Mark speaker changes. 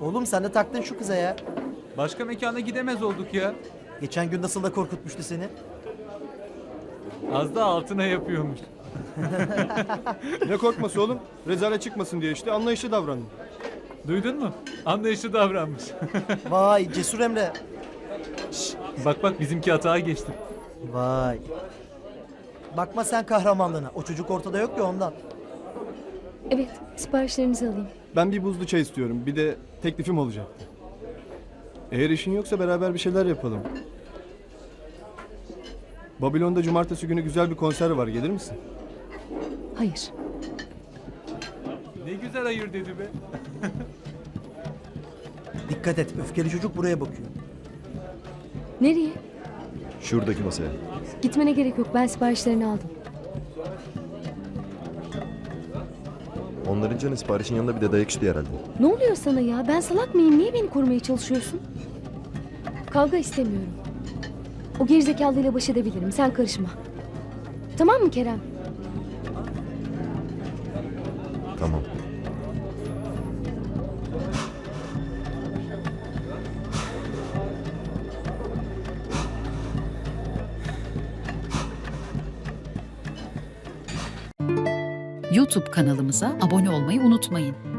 Speaker 1: Oğlum sen de taktın şu kıza ya.
Speaker 2: Başka mekana gidemez olduk ya.
Speaker 1: Geçen gün nasıl da korkutmuştu seni.
Speaker 2: Az da altına yapıyormuş.
Speaker 3: Ne korkması oğlum? Rezalet çıkmasın diye işte anlayışlı davrandım.
Speaker 2: Duydun mu? Anlayışlı davranmış.
Speaker 1: Vay cesur Emre.
Speaker 2: Bak bak bizimki hata geçti.
Speaker 1: Vay. Bakma sen kahramanlığına. O çocuk ortada yok ya ondan.
Speaker 4: Evet, siparişlerinizi alayım.
Speaker 3: Ben bir buzlu çay istiyorum. Bir de teklifim olacaktı. Eğer işin yoksa beraber bir şeyler yapalım. Babilon'da cumartesi günü güzel bir konser var. Gelir misin?
Speaker 4: Hayır.
Speaker 2: Ne güzel hayır dedi be.
Speaker 1: Dikkat et. Öfkeli çocuk buraya bakıyor.
Speaker 4: Nereye?
Speaker 5: Şuradaki masaya.
Speaker 4: Gitmene gerek yok. Ben siparişlerini aldım.
Speaker 5: Onların canı siparişin yanında bir de dayak istiyor herhalde.
Speaker 4: Ne oluyor sana ya? Ben salak mıyım? Niye beni korumaya çalışıyorsun? Kavga istemiyorum. O gerizekalıyla baş edebilirim. Sen karışma. Tamam mı Kerem?
Speaker 5: Tamam.
Speaker 6: YouTube kanalımıza abone olmayı unutmayın.